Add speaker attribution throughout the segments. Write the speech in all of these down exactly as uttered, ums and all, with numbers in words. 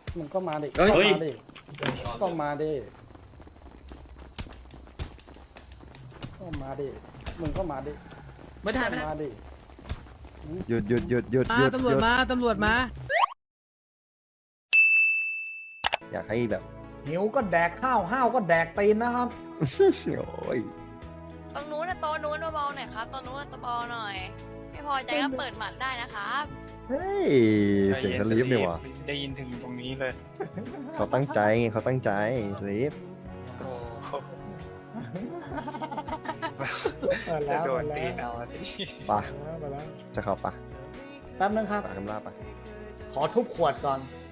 Speaker 1: มึงก็มาดิ
Speaker 2: เฮ้ย
Speaker 1: ก็มาดิก็มาดิก็มาดิมึงก็มาดิ
Speaker 3: ไม่ได้ไม่ได้
Speaker 1: มาดิ
Speaker 4: หยุดหยุดหยุดหยุดห
Speaker 3: มา
Speaker 4: ยุด
Speaker 3: ตำรวจมาตำรวจมา
Speaker 4: อยากให้แบบ
Speaker 1: หิวก็แดกข้าวห้าวก็แดกตีนนะครับ
Speaker 4: โอ้ย
Speaker 5: ตรงนู้นนะโต๊ะนู้นเบาๆหน่อยครับตรงนู้นนะเบาๆหน่อย ไม่พอใจก็เปิดหมัดได้นะครับ
Speaker 4: เฮ้ยเสียงสลีฟเนี่ยวะ
Speaker 6: ได้ยินถึงตรงนี้เลย
Speaker 4: เขาตั้งใจไงเขาตั้งใจสลีฟ
Speaker 6: โอ้โห
Speaker 1: เปิด
Speaker 6: จะ
Speaker 1: แล้ว
Speaker 6: โด
Speaker 1: เปิ
Speaker 6: น
Speaker 1: ดแล้
Speaker 6: ตี
Speaker 1: ว
Speaker 6: เอาสิ
Speaker 4: ปะ
Speaker 1: เปิดแล้ว
Speaker 4: จะเข้าปะ
Speaker 1: แป๊บนึงครับ
Speaker 4: ปะกำลาปะ
Speaker 1: ขอทุบขวดก่อน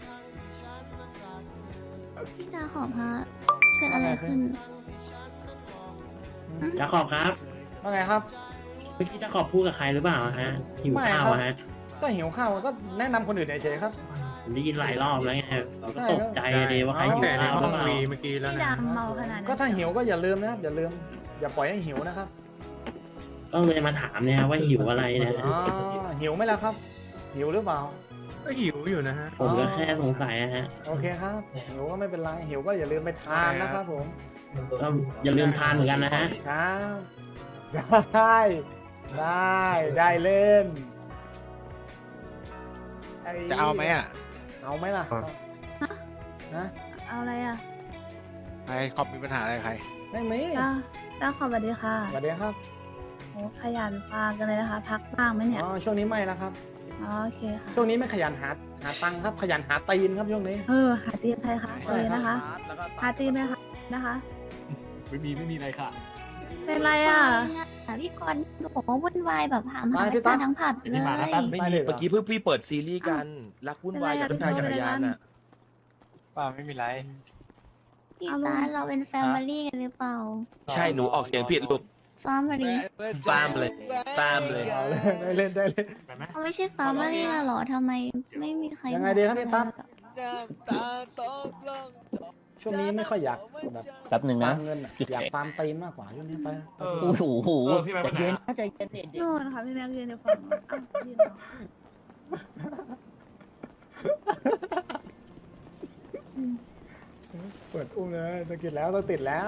Speaker 7: พี่จาขอบพระเกิดอะไรขึ้น
Speaker 2: จะขอบครับ
Speaker 1: ว่าไงครับ
Speaker 2: เมื่อกี้จะขอบพูดกับใครหรือเปล่าฮะหิว
Speaker 1: ไม่
Speaker 2: ข้าว
Speaker 1: ครับ
Speaker 2: อะฮะ
Speaker 1: ก็หิวข้าวก็แนะนำคนอื่นเฉยๆครับ
Speaker 2: ผมได้ยินหลายรอบแล้วไงเราก็ตกใจเลยว่าใคร
Speaker 1: เอา
Speaker 2: หิว
Speaker 6: แต่ใน
Speaker 2: ข้าวห
Speaker 6: ห้
Speaker 2: รือ อง เปล่า
Speaker 6: วีเมื่อกี้แล้ว
Speaker 7: พี่
Speaker 6: นะ
Speaker 7: ดำเมาขนาดนั้น
Speaker 1: ก็ถ้าหิวก็อย่าลืมนะครับอย่าลืม อย่าปล่อยให้หิวนะครับ
Speaker 2: ก็เลยมาถามเนี่ยว่าหิวอะไรนะ
Speaker 1: อ๋อหิวไหมล่ะครับ หิวหรือเปล่า
Speaker 6: ก็หิวอยู่นะฮะ
Speaker 2: ผมก็แค่สงสัยนะฮะ
Speaker 1: โอเคครับหิวก็ไม่เป็นไรหิวก็อย่าลืมไปทานนะครับผม
Speaker 2: ก็อย่าลืมทานเหมือนกันนะฮะ
Speaker 1: ครับได้ได้ได้เล่นไ
Speaker 8: จะเอาไหมอ่ะ
Speaker 1: เอาไหมล่ะนะ
Speaker 7: เอาอะไรอ่ะ
Speaker 8: ใครคอมมีปัญหาอะไรใคร
Speaker 1: ไม่มี
Speaker 7: จ้าจ้าขอบสวัสดีค่ะ
Speaker 1: สวัสดีครับ
Speaker 7: โอ้ขยันฟังกันเลยนะคะ พักบ้างไหมเนี่ย
Speaker 1: อ๋อช่วงนี้ไม่แล้วครับ
Speaker 7: อ๋อโอเคค่ะ
Speaker 1: ช่วงนี้ไม่ขยันหาหาตังค์ครับ ขยันหาตีนครับช่วงนี้
Speaker 7: เออหาตีนใครคะตีนนะคะหาตีนไหมคะนะคะ
Speaker 6: ไม่มีไม่มีอะไรค่ะ
Speaker 7: เป็นไรอ่ะ
Speaker 9: พี่กรณ์โอ้โหวุ่นวายแบบหาม
Speaker 1: ไป
Speaker 9: หา
Speaker 1: พี่
Speaker 9: จา
Speaker 1: ตั๊ก
Speaker 9: ทั้งผับเลย
Speaker 1: ไม่มี
Speaker 3: เมื่อกี้เพิ่งพี่เปิดซีรีส์กันรักวุ่นวายกับน้ำชายจักรยานอ่ะ
Speaker 6: ป้าไม่มีไร
Speaker 9: พี่ตาเราเป็นแฟมิลี่กันหรือเปล่า
Speaker 3: ใช่หนูออกเสียงผิดลูก
Speaker 9: ฟาร์มลี่
Speaker 3: ฟาร์มเลยฟาร์มเลย
Speaker 1: เอาเลยได้เล่นได้เล่น
Speaker 9: เขาไม่ใช่ฟาร์มลี่กันเหรอทำไมไม่มีใคร
Speaker 1: ยังไงดีครับพี่ตั๊ก ช่วงนี้ไม่ค่อยอยากแบบ
Speaker 2: แป๊บหนึ่ง
Speaker 1: ฟา
Speaker 2: นะ
Speaker 1: ร์มเงินอะอยากฟาร์มตีนมากกว่าช่วงนี้ไปนะ
Speaker 2: โอ้โหใจเย็นนะใจเย็นเด็ก
Speaker 7: นู่นค่ะพี่แม็กยืนอยู่ฝั่งอ้าวยืนเหรอ
Speaker 1: เปิดอุ้มเลยต้องกินแล้วต้องติดแล้ว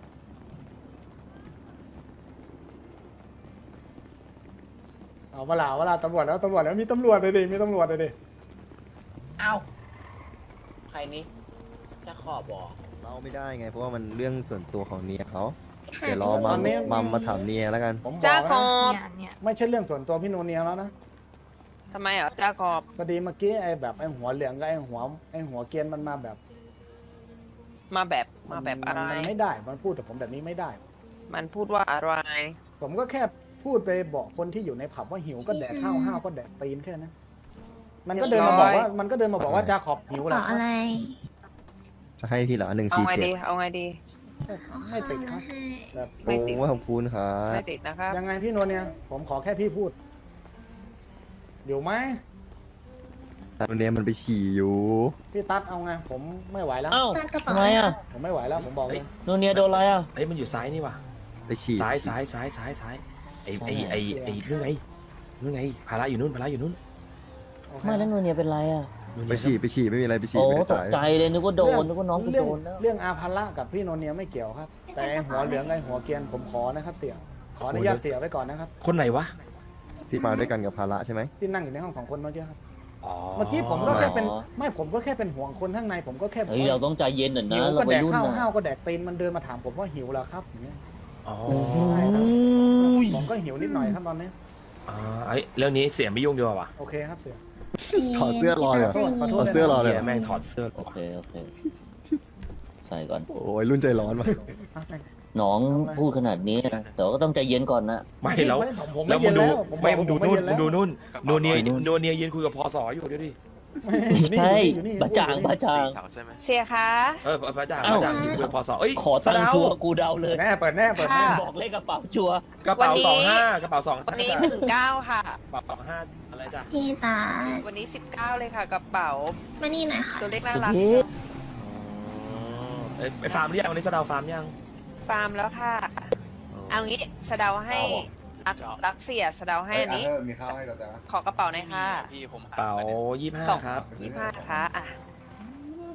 Speaker 1: เอาเวลาเวลาตำรวจแล้วตำรวจแล้วมีตำรวจเลยดิมีตำรวจเลยดิ
Speaker 10: เอ้าใครนี้จะขอบบอก
Speaker 4: เมาไม่ได้ไง เพราะว่ามันเรื่องส่วนตัวของเนียเขาเดี๋ยวรอมัมมัมมาถามเนียแล้วกัน
Speaker 1: ผมบ
Speaker 5: จ้า
Speaker 1: อก
Speaker 5: ก
Speaker 1: นะ
Speaker 5: อบ
Speaker 7: เนี่ยเนี่ย
Speaker 1: ไม่ใช่เรื่องส่วนตัวพี่โนเนียแล้วนะ
Speaker 5: ทำไมเหรอจ้ากอบ
Speaker 1: พอดีเมื่อกี้ไอ้แบบไอ้หัวเหลืองกับไอ้หัวไอ้หัวเกรียนมันมาแบบ
Speaker 5: มาแบบมาแบบอะไร
Speaker 1: มันไม่ได้ มันพูดกับผมแบบนี้ไม่ได้
Speaker 5: มันพูดว่าอะไร
Speaker 1: ผมก็แค่พูดไปบอกคนที่อยู่ในผับว่าหิวก็แดกข้าวห้าวก็แดกตีนแค่นั้นมันก็เดินมาบอกว่ามันก็เดินมาบอกว่าจาขอบหิว
Speaker 9: บ
Speaker 1: แล้
Speaker 9: อ
Speaker 1: ว
Speaker 9: ก
Speaker 1: ครั
Speaker 9: อะ
Speaker 1: บ
Speaker 9: ไร
Speaker 4: จะให้พี่เหรอหนึ่ง
Speaker 5: เอา
Speaker 4: สี่
Speaker 5: ไง
Speaker 4: เจ็ด
Speaker 5: ดีเอาไงดี
Speaker 1: ไม่ติดครับแบบ
Speaker 5: ไม่ติด
Speaker 4: โอ้ขอบคุณครับ
Speaker 5: ไม่ติดนะครับ
Speaker 1: ยังไงพี่โนเนียผมขอแค่พี่พูดอยู่ไหม
Speaker 4: ตอนนี้มันไปฉี่อยู่
Speaker 1: พี่ตั๊ดเอาไงผมไม่ไหวแล้ว
Speaker 2: เอ้า
Speaker 9: นั่นกระเป๋า
Speaker 2: ทำไมอ่ะ
Speaker 1: ผมไม่ไหวแล้วผมบอกเลย
Speaker 2: โนเนียโดนอะไรอ่ะ
Speaker 3: เอ้ยมันอยู่ซ้ายนี่ว่ะ
Speaker 4: ไปฉี่
Speaker 3: ซ้ายซ้ายซ้ายซ้ายซ้ายไอไอไอไอนู่นไงนู่นไงภาระอยู่นู่นภาระอยู่นู่น
Speaker 1: โอเค
Speaker 2: ไม่แล้วโนเนียเป็นไรอ่ะ
Speaker 3: นู่น
Speaker 4: ไป
Speaker 3: ไง
Speaker 4: ฉี่ไปฉี่ไม่มีอะไรไปฉี่
Speaker 2: โอ้
Speaker 4: ไม่ได้
Speaker 2: ตก
Speaker 4: ตาย
Speaker 2: ใจเลยนึกว่าโดนนึกว่าน้องกู
Speaker 1: เรื่
Speaker 2: โดนแล้ว
Speaker 1: เรื่องอาภาระกับพี่โนเนียไม่เกี่ยวครับ แต่ไอ้หัวเหลืองกับไอ้หัวเกรียนผมขอนะครับเสี่ยขออนุญาตเสี่ยไว้ก่อนนะครับ
Speaker 3: คนไหนวะ
Speaker 4: ที่มาด้วยกันกับภาระใช่ไหม
Speaker 1: ที่นั่งอยู่ในห้องสองคนเมื่อกี้ครับ
Speaker 3: อ๋อ
Speaker 1: เมื่อกี้ผมก็แค่เป็นไม่ผมก็แค่เป็นห่วงคนข้างในผมก็แค่บอก
Speaker 2: เฮ้ยเราต้องใจเย็นหน่อยนะ
Speaker 1: หิว
Speaker 2: เรา
Speaker 1: ก็
Speaker 2: วั
Speaker 1: แด
Speaker 2: ย
Speaker 1: ก
Speaker 2: รุ่น
Speaker 1: ข้าว
Speaker 2: นะ
Speaker 1: ห้าวก็แดกตีนมันเดินมาถามผมว่าหิวแล้วครับอย่างเงี้ย
Speaker 3: อ๋อ
Speaker 1: ผมก็หิวนิดหน่อยครับตอนนี้
Speaker 3: อ่าไอเรื่องนี้เสียไม่ยุ่งดีกว่าวะ
Speaker 1: โอเคครับเสี่ย
Speaker 4: ถอดเสื้อรอเลยเหรอ
Speaker 1: ขอโทษ
Speaker 4: ถอดเสื้อรอเลย
Speaker 3: เหี้
Speaker 4: เหรอ
Speaker 3: แม่งถอดเสื้อ
Speaker 2: โอเคโอเคใส่ก่อน
Speaker 4: โอ้ยรุ่นใจร้อนว่ะ
Speaker 1: อ่ะไป
Speaker 2: น้องพูดขนาดนี้นะแต่ว่าก็ต้องใจเย็นก่อนนะ
Speaker 3: ไม่แล้ว
Speaker 1: ผมผม
Speaker 3: แล้ว
Speaker 1: ไม่
Speaker 3: มึ
Speaker 1: เย็
Speaker 3: ง
Speaker 1: น
Speaker 3: ดู
Speaker 1: แล้วผม
Speaker 3: ไม่
Speaker 1: บอก
Speaker 3: มึงดู
Speaker 1: ผ
Speaker 3: นู่น
Speaker 1: ไเย็
Speaker 3: มึงดู
Speaker 1: แล้ว
Speaker 3: นู่นโนเนีย
Speaker 2: นู่น
Speaker 3: โนเนียยืนคุยกับพอสออยู่เดี๋ยวดิ
Speaker 1: อยู่นี่
Speaker 2: ใช่
Speaker 1: อยู่นี่
Speaker 2: บะจางบะจาง
Speaker 5: เสียคะ
Speaker 3: เออพระจ่าง
Speaker 2: เอ้า
Speaker 3: พระจ่างยืนคุยกับพอสอเอ้ย
Speaker 2: ขอตังค์ชัวร์กูเดาเลย
Speaker 1: แน่เปิดแน่เปิดแน่
Speaker 5: ค่ะ
Speaker 2: บอกเลขกระเป๋าชัวร์
Speaker 3: กระเป๋าสองห้ากระเป๋าสอง
Speaker 5: วันนี้หนึ่งเก้าค่ะ
Speaker 3: กระเป๋าสองห้าอะไรจ้ะ
Speaker 9: พี่ตา
Speaker 5: วันนี้สิบเก้าเลยค่ะกระเป๋า
Speaker 9: มานี่หน่อยค่ะ
Speaker 5: ตัวเลขน่ารัก
Speaker 2: เฮ้ย
Speaker 3: เอ้ยไปฟาร์มหรือยังวันนี้สะเดาวฟาร์มยัง
Speaker 5: ฟาร์มแล้วค่ะ เอางี้สะเดาให้รักรักเสียสะเดาให้อันนี้
Speaker 8: มีข้าวให้เราจ้ะ
Speaker 5: ขอกระเป๋าหน่อยค่ะ
Speaker 3: กระเป๋ายี่สิบห้า
Speaker 5: สอง
Speaker 3: ครับ
Speaker 5: ยี่ห้าค่ะอ่ะ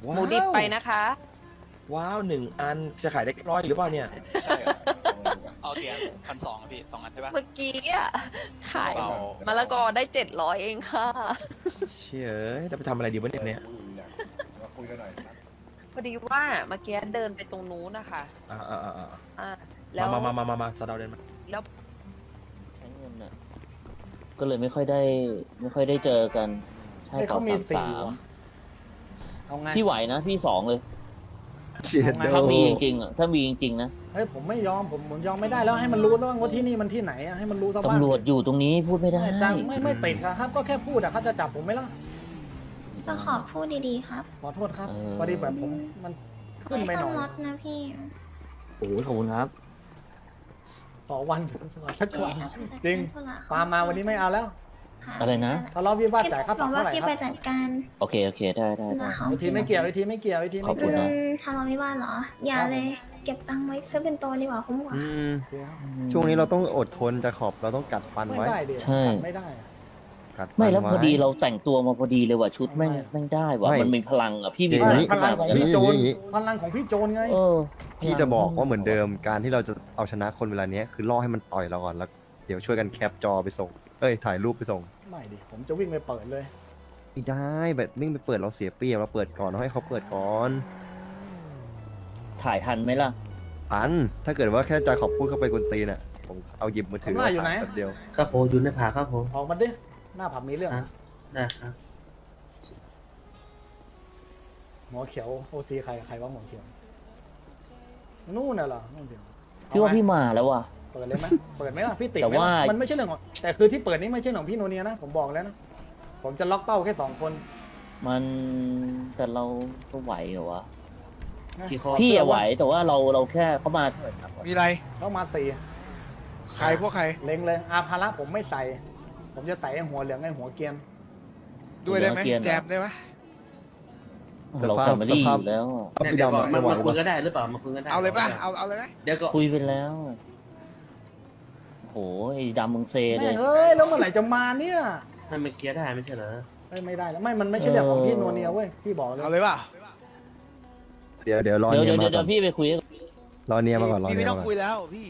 Speaker 5: หมูดิบไปนะคะ
Speaker 3: ว้าวหนึ่งอันจะขายได้ร้อยหรือเปล่าเนี่ย
Speaker 6: ใช่เหรอเอาเตียงพันสองพี่สองอันใช่ปะ
Speaker 5: เมื่อกี้อะขาย
Speaker 6: เอา
Speaker 5: มะละกอได้เจ็ดร้อยเองค่ะ
Speaker 3: เชื่อจะไปทำอะไรดีวะเนี่ย
Speaker 5: พอดีว่าเมื่อกี้เดินไปตรงนู้นนะคะ
Speaker 3: อ่าอ่าอ่าอ่า
Speaker 5: อ่าแล้ว
Speaker 3: มามามามามาสะเดาเดินมา
Speaker 5: แล้ว
Speaker 2: ใช้เงินอ่ะ ก็เลยไม่ค่อยได้ ไม่ค่อยได้เจอกัน ใช่
Speaker 1: ให้
Speaker 2: ต่อ
Speaker 1: เขามี
Speaker 2: สาม
Speaker 1: สี่
Speaker 2: สาม
Speaker 1: ว่ะเอาไง
Speaker 2: พี่ไหวนะ พี่สองเลย
Speaker 4: เชียร์โด
Speaker 2: ถ้ามีจริงๆอ่ะ ถ้ามีจริงๆนะ
Speaker 1: เฮ้ยผมไม่ยอมผมผมยอมไม่ได้แล้วให้มันรู้แล้วว่าที่นี่มันที่ไหนอะให้มันรู้ซะบ้าง
Speaker 2: ตำรวจอยู่ตรงนี้พูดไม่ได้
Speaker 1: ไม่จังไม่ไม่ติดอะครับ ก็แค่พูดอะเขาจะจับผมไหมล่ะ
Speaker 9: ก็ขอพูดดีๆครับ
Speaker 1: ขอโทษครับ
Speaker 2: เออ
Speaker 1: พอดีแบบผมมันขึ้นไป
Speaker 9: ไม่
Speaker 1: ห
Speaker 9: ต้
Speaker 1: น่
Speaker 9: อ
Speaker 1: อง ย
Speaker 9: ลดนะพี่
Speaker 2: โอ้โหขอบคุณครับ
Speaker 1: ขอวันสักวัน จริง ปามาวันนี้ไม่เอาแล้ว
Speaker 2: อะไรนะ
Speaker 1: ทะเลาะวิวาทจ่ายค่าป
Speaker 9: บ
Speaker 1: รั
Speaker 9: อบ ก
Speaker 1: เท่า
Speaker 9: ว่า
Speaker 1: ไหร่
Speaker 9: พี่
Speaker 1: ค
Speaker 9: ไป
Speaker 1: รับ
Speaker 9: จัดการ
Speaker 2: โอเค โอเค ได้ได้ได้
Speaker 9: นะคะ
Speaker 1: วิธีไม่เกี่ยววิธีไม่เกี่ยววิธีไม่เกี่ยว
Speaker 2: ขอบคุณนะ
Speaker 9: อืมทะเลาะวิวาทเหรอ อย่าเลย เก็บตังค์ไว้ซื้อเป็นตัวดีกว่าคุ้มกว่า
Speaker 4: อืมช่วงนี้เราต้องอดทนจะขอบเราต้องกัดฟัน
Speaker 1: ไม่
Speaker 4: ไว้
Speaker 1: ได้ดิ
Speaker 2: ใช่
Speaker 1: ไม่ได้อะ
Speaker 4: กัดฟัน
Speaker 2: ไม่แล้วพอดี
Speaker 4: ไว้
Speaker 2: เราแต่งตัวมาพอดีเลยว่ะชุดแม่ง
Speaker 1: ไม่
Speaker 2: แม่งได้ว่ะ
Speaker 4: ไม่
Speaker 2: มันมีพลังอ่ะ พี่มี
Speaker 4: อย่าง
Speaker 2: พลั
Speaker 4: นี้
Speaker 2: ง
Speaker 1: พลังของพี่โจร
Speaker 4: อย่างนี้
Speaker 1: พลังของพี่โจรไง
Speaker 2: เออ
Speaker 4: พี่จะบอกว่าเหมือนเดิมการที่เราจะเอาชนะคนเวลาเนี้ยคือล่อให้มันต่อยเราก่อนแล้วเดี๋ยวช่วยกันแคปจอไปส่งเอ้ยถ่ายรูปไปส่ง
Speaker 1: ไม่ดิผมจะวิ่งไปเปิดเลย
Speaker 4: ไม่ได้แบบนิ่งไปเปิดเราเสียเปรียบเราเปิดก่อนเราให้เขาเปิดก่อน
Speaker 2: ถ่ายทันไหมล่ะ
Speaker 4: ทันถ้าเกิดว่าแค่จะขอบพูดเข้าไปกวนตีนอ่ะผมเอาหยิบมือถือ
Speaker 1: ทำหน้าอยู่ไหน
Speaker 4: แป๊บเดียว
Speaker 10: ครับผมอยู่ในผาครับผม
Speaker 1: ออกมาดิหน้าผับมีเรื่อง
Speaker 10: อ่ะ นะครับ
Speaker 1: หมอเขียวโอซีใครใครว่าหมอเขียวนู่นน่ะเหรอนู่นสิ
Speaker 2: พี่ว่าพี่มาแล้วว่ะ
Speaker 1: เปิดเลยไหมเปิดไหมล่ะพี่ติด
Speaker 2: แต่
Speaker 1: ไหม
Speaker 2: ว่า
Speaker 1: ล่ะมันไม่ใช่เรื่องของแต่คือที่เปิดนี่ไม่ใช่ของพี่โนเนียนะผมบอกแล้วนะผมจะล็อกเป้าแค่สองคน
Speaker 2: มันแต่เราก็ไหวเหรอวะ
Speaker 10: กี่ข้อ
Speaker 2: พี่อะไหวแต่ว่าเราเราแค่เขามาเถิดครับ
Speaker 8: มีอะไร
Speaker 1: เข้ามาสี่
Speaker 8: ใครพวกใคร
Speaker 1: เล็งเลยอาภาระผมไม่ใส่ ผมจะใส่ไอ้หัวเหลืองไอ้หัวเกรียน
Speaker 8: ด้วยได้ไหมแจมได้ไหม
Speaker 2: เราแฟมิลี่อยู่แล้วอะ
Speaker 10: เนี่ยเดี๋ยวก่อนมามาคุยก็ได้หรือเปล่ามาคุยก็ได้
Speaker 8: เอาเลยป่ะ เอาเอาเลยไหม
Speaker 10: เดี๋ยวก็
Speaker 2: คุยไปแล้วโหไอ้ดำมึงเซเล
Speaker 1: แม่
Speaker 2: ย
Speaker 1: งเอ้ยแล้วเมื่อไหร่จะมาเนี่ย
Speaker 10: ให้มันเคลียร์ได้ไม่ใช่เหรอ
Speaker 1: เอ้ยไม่ได้แล้วไม่มันไม่ใช่เรื่องของพี่โนเนียเว้ยพี่บอกเลย
Speaker 8: เอาเลยป่ะ
Speaker 4: เดี๋ยวเดี๋ยวรอ
Speaker 2: เดี๋ยว
Speaker 4: เนีย
Speaker 2: เดี๋ยว
Speaker 4: มา
Speaker 2: เดี๋ยว
Speaker 4: ก่อน
Speaker 2: พี่ไปคุยกับ
Speaker 4: รอเนียมาก่อนรอ
Speaker 8: พี่
Speaker 4: เนีย
Speaker 8: ไม่ต้
Speaker 4: มา
Speaker 8: อง
Speaker 4: ก่อน
Speaker 8: คุยแล้วพี่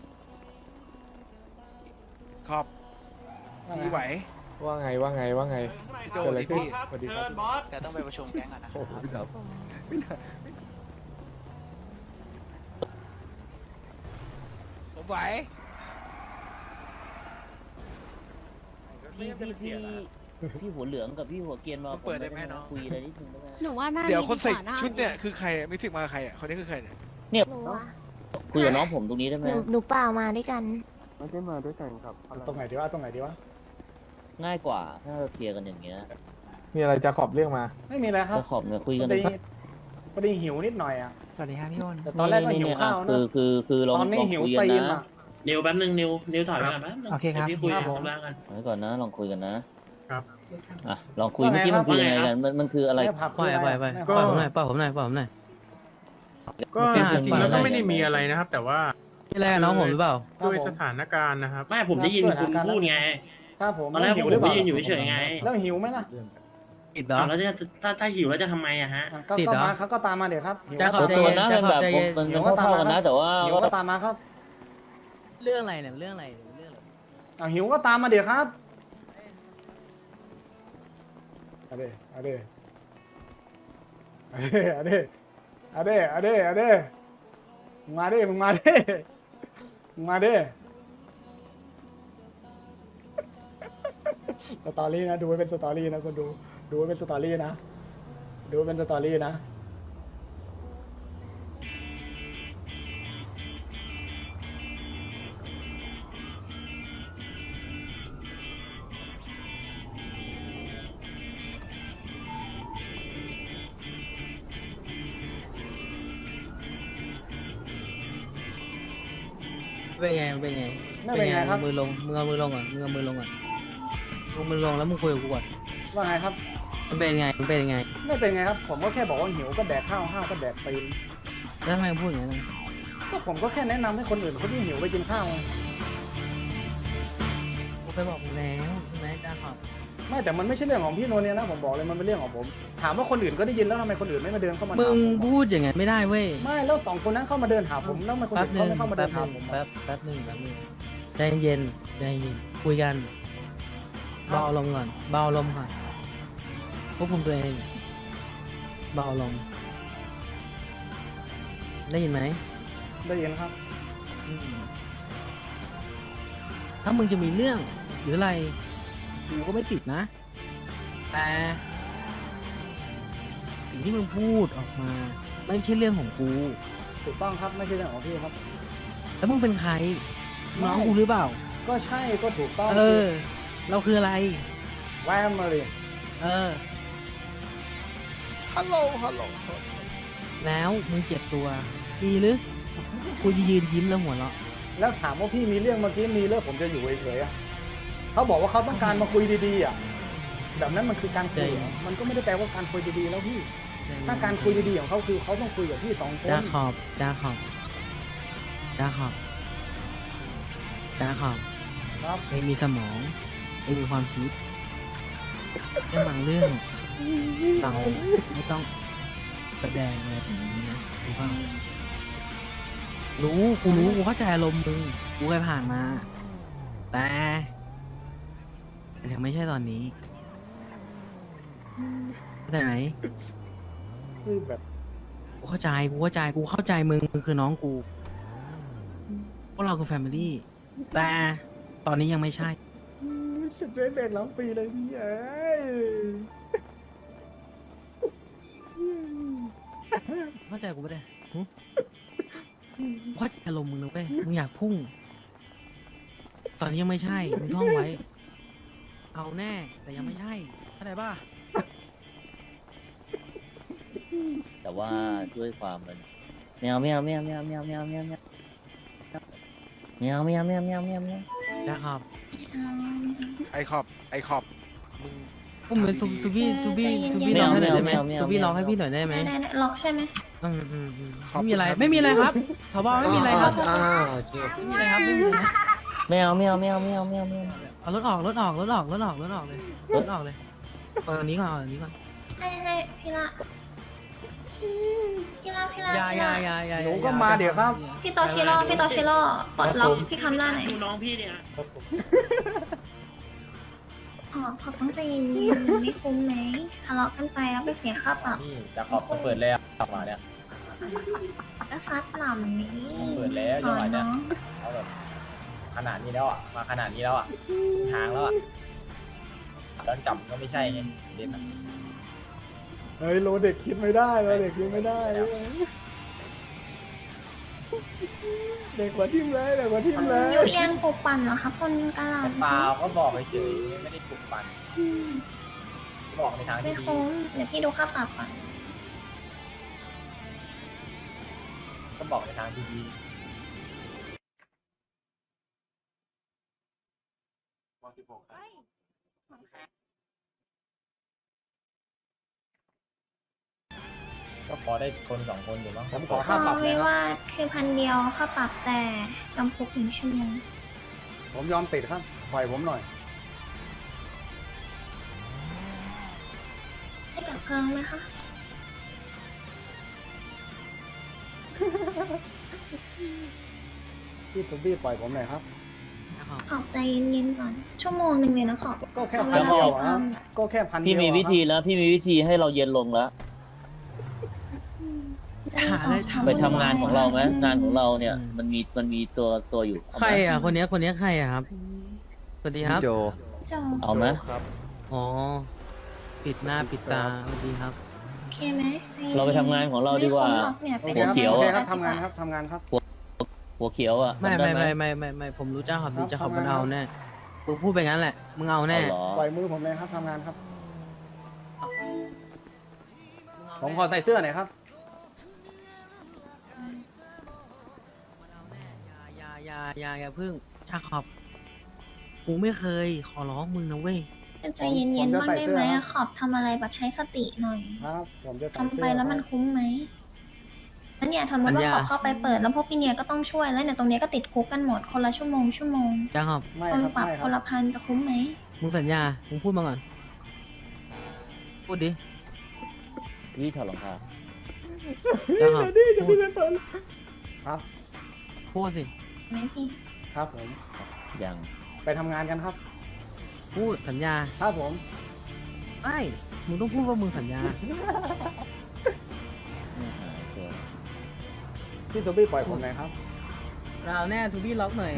Speaker 8: ขอบพี่ไหว
Speaker 6: ว่าไงว่าไงว่าไง
Speaker 8: พี่โจดิพี่
Speaker 6: สวัสดีครับ
Speaker 8: แต่ต้องไปประชุมแก๊งก่อนนะ
Speaker 4: โอ้โหพี่ครับ
Speaker 8: ผมไหว
Speaker 2: พี่พี่พี่พี่หัวเหลืองกับพี่หัวเกรียนมา
Speaker 8: เปิดได้ไหมน้อง
Speaker 2: คุยอะไรนิดนึงได้ไหม
Speaker 9: หนูว่าน่า
Speaker 8: เดี๋ยวคนใส่ชุดเนี่ยคือใครอะมิสิกมากับใครอ่ะคนนี้คือใครเนี่ย
Speaker 2: เนี่ย
Speaker 9: หนูว่า
Speaker 2: คุยกับน้องผมตรงนี้ได้ไหม
Speaker 9: หนูหนูเปล่ามาด้วยกัน
Speaker 4: ไม่ได้มาด้วยกันครับ
Speaker 1: ตรงไหนดีวะตรงไหนดีวะ
Speaker 2: ง่ายกว่าถ้าเราเคลียร์กันอย่างเงี้ย
Speaker 6: มีอะไรจะขอบเรื่องมา
Speaker 1: ไม่มีอะไรครับ
Speaker 2: จะขอบเนี่ยคุย
Speaker 1: พ
Speaker 2: กัน
Speaker 1: อดีพอดีหิวนิดหน่อยอ่ะ
Speaker 6: สวัสดีครับพี่อ้น
Speaker 1: แต่ตอนแรกก็หิวข้าว
Speaker 2: คื
Speaker 1: นะ
Speaker 2: อคือคือลอง
Speaker 1: ตอนนี้
Speaker 2: ลอง
Speaker 1: หิว
Speaker 2: คุยกัน
Speaker 1: ตีน
Speaker 2: นะ
Speaker 1: อ่ะ
Speaker 10: นิวแป๊บนึงนิวนิวถอยไปก่อนแป๊บนึง
Speaker 6: โอเคครับ
Speaker 10: ดี๋ยวพี่คุย
Speaker 1: ครั
Speaker 10: กั
Speaker 1: บบ ผม
Speaker 10: ข้างล่างกัน
Speaker 2: ไว้ก่อนนะลองคุยกันนะครับ อ่ะลองคุย
Speaker 1: ว่าไง
Speaker 2: เมื่อกี้
Speaker 1: ครั
Speaker 2: มั
Speaker 1: บ
Speaker 2: นคือยังไงกันมันมันคืออะไร
Speaker 1: แม่ผับคืออะไรอะแม่
Speaker 6: ก็
Speaker 1: ผับ
Speaker 6: ผมหน่อยป้าผมหน่อยป้าผมหน่อยก็
Speaker 2: เป็น
Speaker 6: จริงๆแล้วก็ไม่ได้มี
Speaker 2: อะไร
Speaker 6: อะไรนะครับ แต่ว่า
Speaker 7: พี่แรกน้องผมหรือเปล่า
Speaker 6: ด้วยสถานการณ์นะครับ
Speaker 10: ไม่ผมได้ยินคุณพูดไง
Speaker 1: ครับผม
Speaker 10: ตอนแรก
Speaker 1: หิ
Speaker 10: ผ
Speaker 1: ว
Speaker 10: ม
Speaker 1: หรือเป
Speaker 10: ก็
Speaker 1: ล่า
Speaker 10: ยืนอยู่เฉยๆไง
Speaker 1: แล้วหิวไหมล่ะ
Speaker 7: ติดเหรอ
Speaker 10: อ้าวแล้วจะถ้าถ้าหิวแล้วจะทำไมอะฮะ
Speaker 1: อ่ะก็
Speaker 7: ติด
Speaker 1: ก็
Speaker 7: เหรอ
Speaker 1: มาเขาก็ตามมาเดี๋ยวครับหิว
Speaker 7: จะ
Speaker 1: ก็
Speaker 7: ขอ
Speaker 1: ตาม
Speaker 2: ตัว
Speaker 1: มา
Speaker 2: นะเป็นแบบผมมันมันเท่าๆกันนะ แต่ว่า
Speaker 1: หิวก็ตามมาครับ
Speaker 7: เรื่องอะไรเนี่ยเรื่องอะไรเรื่องอะไร
Speaker 1: เอาหิวก็ตามมาเดี๋ยวครับเอาเด้เอาเด้เอาเด้เอาเด้เอาเด้เอาเด้เอาเด้มึงมาดิมึงมาดิมึงมาดิสตอรี่นะดูไว้เป็นสตอรี่นะคนดูดูไว้เป็นสตอรี่นะดูไว้เป็นสตอรี่นะ
Speaker 7: เป็นไงเป็นไง
Speaker 1: ไม่เป็นไงครับ
Speaker 7: มือลงมือเอามือลงก่อนมือเอามือลงก่อนลงมือลงแล้วมึงคุยกับกูก่อน
Speaker 1: ว่าไงครับ
Speaker 7: มันเป็นไงมันเป็นยังไง
Speaker 1: ไม่เป็นไงครับ ผมก็แค่บอกว่าหิวก็แดกข้าวห้าวก็แดกตีน
Speaker 7: แล้วทำไมพูดอย่างนั้น
Speaker 1: ก็ผมก็แค่แนะนำให้คนอื่นเขาที่หิวไปกินข้าวไง
Speaker 7: กูไปบอกมึงแล้วใช่ไหมจ้าขอบ
Speaker 1: ไม่แต่มันไม่ใช่เรื่องของพี่โนเนี่ยนะผมบอกเลยมันเป็นเรื่องของผม ถามว่าคนอื่นก็ได้ยินแล้วทำไมคนอื่นไม่มาเดินเข้ามา
Speaker 11: มึ
Speaker 1: ถาม
Speaker 11: ง
Speaker 1: ผม
Speaker 11: พูดอย่างไงไม่ได้เว้ย
Speaker 1: ไม่แล้วสองคนนั้นเข้ามาเดินหาผมแล้วทำไมคน
Speaker 11: แป๊บ
Speaker 1: อื่น
Speaker 11: หนึ่
Speaker 1: เขา
Speaker 11: ง
Speaker 1: ไม่เข้ามาเดิ
Speaker 11: แป๊
Speaker 1: น
Speaker 11: บห
Speaker 1: หา
Speaker 11: นึ่ง
Speaker 1: ผม
Speaker 11: แป๊บแป๊บหนึ่งแป๊บหนึ่งใจเย็นใจเย็นคุยกันเบาลมณ์ก่อนเบาลมณ์ก่อนควบคุมตัวเองเบาลมณ์ได้ยินไหม
Speaker 1: ได้ยินครับ
Speaker 11: อืมถ้ามึงจะมีเรื่องหรืออะไรกูก็ไม่ติดนะ แต่สิ่งที่มึงพูดออกมา ไม่ใช่เรื่องของกู
Speaker 1: ถูกต้องครับไม่ใช่เรื่องของพี่ครับ
Speaker 11: แล้วมึงเป็นใครน้องกูหรือเปล่า
Speaker 1: ก็ใช่ก็ถูกต้อง
Speaker 11: เออ เราคืออะไร
Speaker 1: แวมมาเลย
Speaker 11: เออ
Speaker 8: ฮัลโหลฮัลโหล
Speaker 11: แล้วมึงเจ็บตัวดีหรือกูจะยืนยิ้มแล้วหัวเราะ
Speaker 1: แล้วถามว่าพี่มีเรื่องเมื่อกี้มีเรื่องผมจะอยู่เฉยๆอะเขาบอกว่าเขาต้องการมาคุยดีๆอ่ะแบบนั้นมันคือการคุยเหรอมันก็ไม่ได้แปลว่าการคุยดีๆแล้วพี่ ถ้าการคุยดีๆของเขาคือเขาต้องคุยกับพี่สองคน
Speaker 11: จาขอบจาขอบจาขอบจาขอบ
Speaker 1: ครับ
Speaker 11: เองมีสมองเองมีความคิดเรื่องบางเรื่องเราไม่ต้องแสดงอะไรแบบนี้นะรู้ป่ะรู้กูรู้กูเข้าใจอารมณ์มึงกูเคยผ่านมา แต่ยังไม่ใช่ตอนนี้เข้าใจไหม
Speaker 1: คือแบบ
Speaker 11: กูเข้าใจกูเข้าใจกูเข้าใจมึงมึงคือน้องกูพวกเราคือแฟมิลี่แต่ตอนนี้ยังไม่ใช่
Speaker 1: สิบเอ็ดเด็กล้ปีเลยพี่เอ้ย
Speaker 11: เข้าใจกูไม่ได้หึเข้าใจอารมณ์มึงนะเว้ยมึงอยากพุ่ง ตอนนี้ยังไม่ใช่ มึงท่องไว้ เอาแน่ แต่ยังไม่ใช่เข้าใจป่ะ
Speaker 2: แต่ว่าด้วยความมันแมวแมวแมวแมวแมวแมวแมวแมวแมวแมวแมวแมวแมวแมว
Speaker 11: จ้าครับ
Speaker 8: ไอขอบไอขอบมึง
Speaker 11: อุ้มเป็นซูซูบี้ซูบี้
Speaker 9: ใจเย็นๆ
Speaker 11: ซูบี้ร้องให้หน่อยได้ไหมซูบี้ร้องให้พี่หน่อยได้ไหม
Speaker 9: ได้ได้ล็อกใช่ไหม
Speaker 11: อืมอืมอืมไม่มีอะไร ไม่มีอะไรครับขอบอกไม่มีอะไรครับไม่มีอะไรครับไม่มีอะไรนะ
Speaker 2: แมวแมวแมวแมวแมวแมว
Speaker 11: เอารถออกรถออกรถออกรถออกรถออกเลยรถออกเลยเอาอันนี้ก่อนเอาอันนี้ก่อน
Speaker 9: ให้ให้พี่ละพี่ละพี่ละ
Speaker 11: อยา
Speaker 9: พี่
Speaker 11: อยา
Speaker 9: ละ
Speaker 11: อยาอยา
Speaker 1: หนูก็มาเดี๋ยวครับ
Speaker 9: พี่โตชิโร่พี่โตชิโร่ปลดล็อกพี่คำได้ไหน
Speaker 10: น้องพี่เนี่ย
Speaker 9: อ๋อขอต้องใจเย็นๆมันไม่คุ้มไหมทะเลาะกันไปแล้วไปเสียค่าปรับ
Speaker 10: นี่จะขอบเปิดแล้วกลับมาเนี่ย
Speaker 9: ก็ซัดปรับมันนี้
Speaker 10: เปิดแล้ว
Speaker 9: สอน
Speaker 10: จังหวะเนี่ย
Speaker 9: น้อง
Speaker 10: เขาแบบขนาดนี้แล้วอ่ะ มาขนาดนี้แล้วอ่ะทางแล้วอ่ะตอนจับก็ไม่ใช่ไงเด่นอ่ะ
Speaker 1: เฮ้ยโลเด็กคิดไม่ได้โลเด็กคิดไม่ได้ เด็กกว่าทิมเลยเด็กกว่าทิมเลย
Speaker 9: อยู่เอียงปลุกปั่นเหรอคะคนกะหล่ำ
Speaker 10: เปล่าก็บอกเฉยๆไม่ได้ปลุกปั่นบอกในทาง
Speaker 9: ไม่
Speaker 10: ที่ดี
Speaker 9: คุ้มเดี๋ยวพี่ดูค่าปรับก่อน
Speaker 10: ก็บอกในทางที่ดี ก็พอได้คนสองคนอยู่มั้ง
Speaker 1: ผมขอ
Speaker 9: เอ
Speaker 1: ค่าปรับ
Speaker 9: อ
Speaker 1: นะ
Speaker 9: ไม่
Speaker 1: ครับ
Speaker 9: ว่าคือพันเดียวค่าปรับแต่จำคุกหนึ่งชั่วโมง
Speaker 1: ผมยอมติดครับปล่อยผมหน่อย
Speaker 9: ให้ดับเพลิงไหมคะ
Speaker 1: พี่ซุบี้ปล่อยผมหน่อยครับ
Speaker 11: นะครับ
Speaker 9: ขอบใจเย็นๆก่อน ชั่วโมงหนึ่งเลยนะขอบ
Speaker 1: ก็แค่
Speaker 9: เอา
Speaker 1: พัน
Speaker 9: เวลา
Speaker 1: เดียว
Speaker 9: ไป
Speaker 1: อะ
Speaker 9: ซ่อม
Speaker 1: ก็แค่พันเดียว
Speaker 2: พี่มีวิธี
Speaker 1: อะครับ
Speaker 2: แล้ว พี่มีวิธีให้เราเย็นลงแล้ว
Speaker 9: ใจเย็นก่อน
Speaker 11: หาอะไรทำ
Speaker 2: ไปทำงานของเราไหมงานของเราเนี่ย มันมีมันมีตัวตัวอยู่เอา
Speaker 11: ใคร
Speaker 2: ไหม
Speaker 11: อ่ะคนเนี้ยคนเนี้ยใครอ่ะครับสวัสดีครับ
Speaker 4: โจ
Speaker 9: จบ
Speaker 2: เอาไหม
Speaker 4: ครับ
Speaker 11: อ๋อปิดหน้าปิดตาสวัสดีครับ
Speaker 9: โอเคไหมใจย็นๆ
Speaker 2: เราไปทำงานของเราดีกว่า
Speaker 9: ไม่คุ้มหรอกเนี่ย
Speaker 1: โอ
Speaker 9: ไป
Speaker 1: เคครับ
Speaker 2: หัวเขียว
Speaker 1: โอ
Speaker 2: อะ
Speaker 1: เคครับทำงานครับทำงานครับ
Speaker 2: หัวเขียวอ่ะ
Speaker 11: ไม่
Speaker 2: จำด้
Speaker 11: ไม่
Speaker 2: ห
Speaker 11: ไม่ไม่ไม่ไม่ผมรู้จ้าขอบดี
Speaker 1: ครับ
Speaker 11: จ้าขอบ
Speaker 1: ทำ
Speaker 11: มัน
Speaker 1: งาน
Speaker 11: เอาแน่มึงพูดไปงั้นแหละมึงเอาแน่
Speaker 2: เอาเหรอ
Speaker 1: ปล่อยมือผมเลยครับทำงานครับ ผมขอใส่เสื้อหน่อยครับ
Speaker 11: อย่าอย่าอย่าอย่าพึ่งชาขอบกูไม่เคยขอร้องมึงนะเว้ย
Speaker 9: ใจเย็นๆบ้างได้ไหมอะขอบทำอะไรแบบใช้สติหน่อย
Speaker 1: ครับ ผมจะใส่
Speaker 9: ทำ
Speaker 1: เสื้อ
Speaker 9: ไปแล้วมันคุ้มไหมแล้วเนี่ยทำ
Speaker 11: ปั
Speaker 9: มา
Speaker 11: ญ
Speaker 9: ว่า
Speaker 11: ญา
Speaker 9: ขอเข้าไปเปิดแล้วพวกพี่เนี่ยก็ต้องช่วยแล้วเนี่ยตรงเนี้ยก็ติดคุกกันหมดคนละชั่วโมงชั่วโมง
Speaker 11: จ้าขอบ
Speaker 1: ไม่
Speaker 9: คน
Speaker 1: ครับ
Speaker 9: ปรับ
Speaker 1: ไม่ค
Speaker 9: ครับ นละพันจะคุ้มไหม
Speaker 11: มึงสัญญามึงพูดมาก่อนพูดดิ
Speaker 2: พี่ถอดรองเท้า
Speaker 11: จ้าขอบ
Speaker 1: นี่จะ
Speaker 11: พู
Speaker 1: พี่
Speaker 11: ด
Speaker 1: จะตอนครับ
Speaker 11: พูดสิ
Speaker 9: ไหมพี่
Speaker 1: ครับผม
Speaker 2: ยัง
Speaker 1: ไปทำงานกันครับ
Speaker 11: พูดสัญญา
Speaker 1: ครับผม
Speaker 11: ไม่มึงต้องพูดว่ามึงสัญญา
Speaker 2: ไม่หายชัวร์
Speaker 1: พี่โซบี้ปล่อยผมหน่อยครับ
Speaker 11: เราแน่ทูบี้ล็อกหน่อย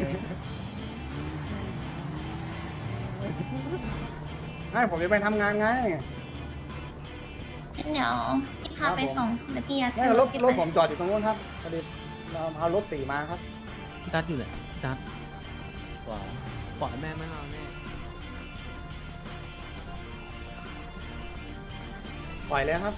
Speaker 1: ให้ผมจะไปทำงานไง
Speaker 9: งั้นเดี๋ยวพี่พาไปส่งเดี๋ยวพี่ยัด
Speaker 1: ไม่รถ
Speaker 9: พี่
Speaker 1: รถ
Speaker 9: ไป
Speaker 1: ผมจอดอยู่ตรงนู้นครับพอดีเราเอารถสีมาครับ
Speaker 11: พี่ตัดอยู่เลยพี่ตัด
Speaker 2: กว่า
Speaker 11: ปล่อยแม่งไม่เอาแน่
Speaker 1: ปล่อยเลยครับ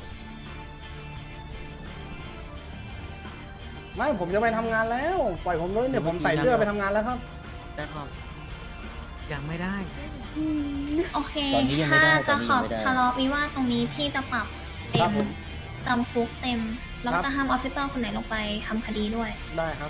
Speaker 1: ไม่ผมจะไปทำงานแล้ว ปล่อยผมเลยเนี่ยผมใส่เสื้อไปทำงานแล้วครับ
Speaker 11: จ้าขอบยังไม่ได้
Speaker 9: โอเค
Speaker 2: ตอนนี้ยังไม่
Speaker 9: ถ้า
Speaker 2: ได้ตอ
Speaker 9: จะ
Speaker 2: นนี้
Speaker 9: ข
Speaker 2: ยั
Speaker 9: อง บ
Speaker 2: ไม่ได้
Speaker 9: ทะเลาะวิวาทตรงนี้พี่จะปรับเต็
Speaker 1: ครับ
Speaker 9: ม
Speaker 1: ผม
Speaker 9: จำคุกเต็ม แล้ว
Speaker 1: ครั
Speaker 9: ก็
Speaker 1: บ
Speaker 9: จะห้ามออฟฟิเซอร์คนไหนลงไปทำคดีด้วย
Speaker 1: ได้ครับ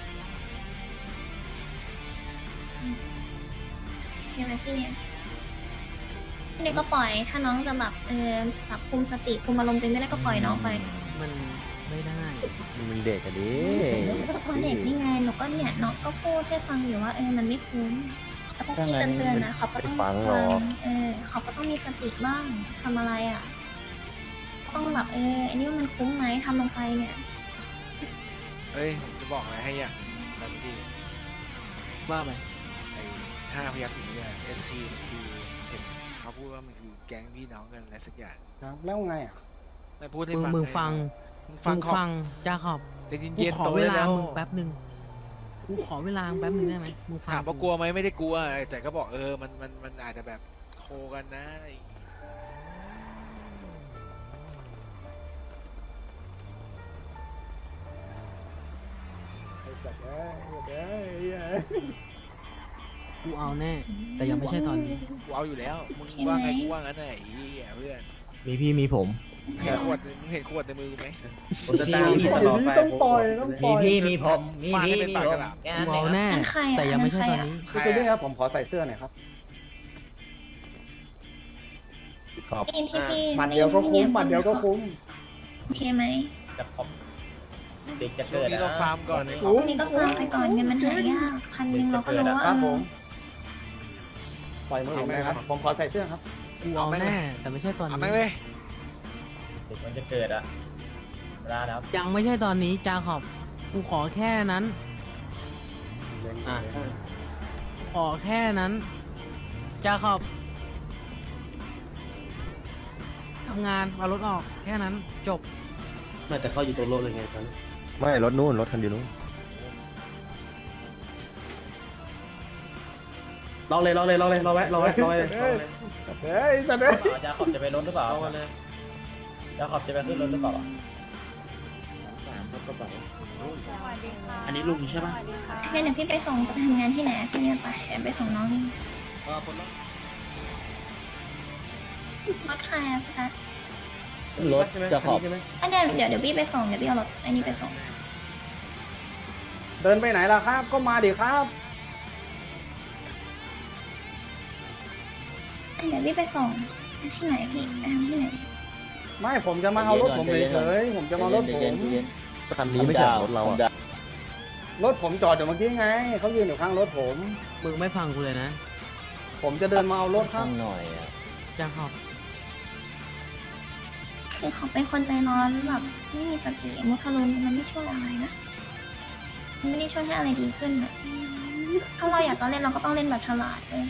Speaker 9: ใช่ไหมพี่เนี่ยพี่เนี่ยก็ปล่อยถ้าน้องจะแบบเออแบบคุมสติคุมอารมณ์ตัวเองไม่ได้ก็ปล่อยน้องไป
Speaker 11: มันไม่ได้
Speaker 4: มึงเด็กอะดิ
Speaker 9: เพราะเด็กนี่ไงหนูก็เนี่ยน้องก็พูดให้ฟังอยู่ว่าเออมันไม่คุ้มแล้วพวกพี่เตือนๆนะเขาก็ต้องฟังเออเขาก็ต้องมีสติบ้างทำอะไรอ่ะต้องแบบเอออันนี้ว่ามันคุ้มไหมทำลงไปเนี่ย
Speaker 8: เอ้ยผมจะบอกอะไรให้อย่างตอนนี้
Speaker 11: ว่าไป
Speaker 8: ไอ้ห้าพยัคฆ์นี้เนี่ย เอส ที คือเห็นเขาพูดว่ามันคือแก๊งพี่น้องกันอะไรสักอย่าง
Speaker 1: ครับแล้วไงอ่ะ
Speaker 8: ไม่พูดให้
Speaker 11: มึง
Speaker 8: ฟัง
Speaker 11: มึงฟัง
Speaker 8: มึง
Speaker 11: มึ
Speaker 8: ฟัง
Speaker 11: ง
Speaker 8: ขอบ
Speaker 11: ฟังจ้าขอบ
Speaker 8: แต่
Speaker 11: กู
Speaker 8: เย็น
Speaker 11: ขอ
Speaker 8: ๆโต
Speaker 11: เว
Speaker 8: ได้
Speaker 11: ลา
Speaker 8: แล้ว
Speaker 11: มึงแป๊บหนึ่งกูขอเวลามึงแป๊บหนึ่งได้ไหมมึงฟัง
Speaker 8: ถามว่ากลัวไหมไม่ได้กลัว แต่ก็บอกเออมันมันมันอาจจะแบบโคกันนะอะไรอย่างงี้
Speaker 1: ไอ้สัตว์เอ้ยเอ้ยเอ้ย
Speaker 11: กูเอาแน่ แต่ยังไม่ใช่ตอนนี้
Speaker 8: กูเอาอยู่แล้วมึง
Speaker 9: ใช่ไหม
Speaker 8: ว่าไงกูว่างั้นน่ะไอ้เหี้ยเพื่อน
Speaker 11: มีพี่มีผม
Speaker 8: เห็นขวดมึงเห็นขวดในมือกูไหม
Speaker 10: ผมจะตามพี่ตลอดไป
Speaker 1: ต้องปล่อยต้องปล่อย
Speaker 10: มีพี่มีผมมี
Speaker 8: ฟาดให้
Speaker 10: พี่
Speaker 8: เป็น
Speaker 10: มี
Speaker 8: ปาก
Speaker 10: ผ
Speaker 8: ก
Speaker 10: ม
Speaker 8: ระดาษ
Speaker 10: แค่
Speaker 11: กู
Speaker 10: นั้นเอ
Speaker 11: เอา
Speaker 10: ง
Speaker 11: แน่
Speaker 9: นั่นใครอะ
Speaker 11: แต่ยังไม่ใช่
Speaker 9: นั่
Speaker 11: ตอน
Speaker 9: นใครอะ
Speaker 11: นี้
Speaker 8: ใคร
Speaker 1: พี่โซบี้ค
Speaker 8: อะ
Speaker 1: รับผมขอใส่เสื้อหน่อยครับ
Speaker 4: ขอบ
Speaker 9: ได้ยินที่พี่
Speaker 1: หมัดเดียวก็คุ้มหมัดเดียวก็คุ้ม
Speaker 9: โอเคไหม
Speaker 10: จะขอบเด็กจะ
Speaker 8: ช่ว
Speaker 10: เกิ
Speaker 8: ง
Speaker 10: ด
Speaker 8: นี้เราฟาร์มก่อนไอ้ข
Speaker 1: คุ้
Speaker 8: อ
Speaker 1: ม
Speaker 9: อันนี้ก็ฟังไปก่อนเงินมันหายากพันหนึ่งเราก็รู้ว่า
Speaker 1: ครับ
Speaker 9: เอ
Speaker 1: ผ
Speaker 9: อ
Speaker 1: ม ปล่อยมือผมเลยครับ ผมขอใส่เสื้อครับ
Speaker 11: กูเอาแน่ แต่ไม่ใช่ตอน
Speaker 8: เอา
Speaker 11: นี้
Speaker 8: แม่งเลย
Speaker 10: เด็กมันจะเกิดอะเวลาแล้ว
Speaker 11: ยังไม่ใช่ตอนนี้จาขอบ กูขอแค่นั้น อ่ะ ขอแค่นั้นจาขอบทำงานเอารถออกแค่นั้นจบ
Speaker 10: ไม่แต่เขาอยู่ตรงรถเลยไงตอนนี้
Speaker 4: ไม่รถนู่นรถคันเดียวนู่น
Speaker 10: รอเลยรอเลยรอเลยรอไว้รอไว้รอไว้รอ
Speaker 1: เฮ้ย
Speaker 10: เลย
Speaker 1: เฮ้ยสัตว์เอ้ย
Speaker 10: จะขอบจะไปรถหรือเปล่าร
Speaker 11: อมาเลย
Speaker 10: จะขอบจะไปขึ้นรถหรือเปล่า
Speaker 2: สามครับกระเป๋า
Speaker 10: อันนี้ลุงใช่ปะ
Speaker 9: งั้นเดี๋ยวพี่ไปส่งจะไปทำงานที่ไหนพี่เนี่ยไปเดี๋ยวไปส่งน้องนี่
Speaker 11: เออคนละ
Speaker 9: รถใครอะพี่คะ
Speaker 2: รถจะขอบ
Speaker 9: อันเดี๋ยวเดี๋ยวเดี๋ยวพี่ไปส่งเดี๋ยวพี่เอารถไอ้นี่ไปส่ง
Speaker 1: เดินไปไหนล่ะครับ ก็มาดิครับ
Speaker 9: อันเดี๋ยวพี่ไปส่งที่ไหนพี่ไปทำที่ไหน
Speaker 1: ไม่ผมจะมาเอารถผมเฉยๆผมจะมาเอารถผ
Speaker 2: เย็น
Speaker 1: ม
Speaker 2: ๆเย็น
Speaker 4: คันนี้ไม่ใช่รถเราอะ
Speaker 1: รถผมจอดอยู่เมื่อกี้ไง เขายืนอยู่ข้างรถผม
Speaker 11: มึงไม่ฟังกูเลยนะ
Speaker 1: ผมจะเดินมาเอารถครั
Speaker 2: ข้า
Speaker 1: บ
Speaker 2: งหน่อยอ่ะ
Speaker 11: จาขอบ
Speaker 9: คือเขาเป็นคนใจร้อนแบบไม่มีสติมุทะลุนมันไม่ช่วยอะไรนะมันไม่ได้ช่วยให้อะไรดีขึ้นอะถ้าเราอยากจะเล่นเราก็ต้องเล่นแบบฉลาดเลย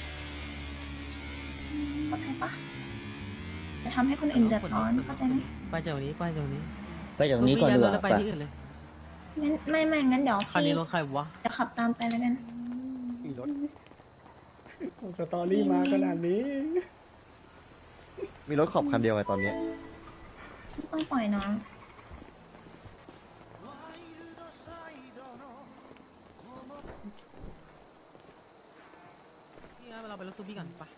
Speaker 9: เข้าใจปะจะทำให้คนอื่นเดือดร้อนเข้าใจไหม
Speaker 11: ไปจากนี้ไปจากนี้
Speaker 2: ไปจากนี้ก่อนดีกว่า
Speaker 11: แล้วไป
Speaker 2: ไป
Speaker 11: ที่อื่นเลย
Speaker 9: งั้นไม่ไม่งั้นเดี๋ยว
Speaker 11: คัน
Speaker 9: พี่
Speaker 11: นี้รถใครวะ
Speaker 9: จะขับตามไปแล้วกัน
Speaker 1: มีรถสตอรี่มาขนาดนี้
Speaker 4: มีรถขอบคันเดียวไงตอนเนี้ย
Speaker 9: ต้องปล่อยน้อง
Speaker 11: นี่ครับเราไปรถซูบี้ก่อนไป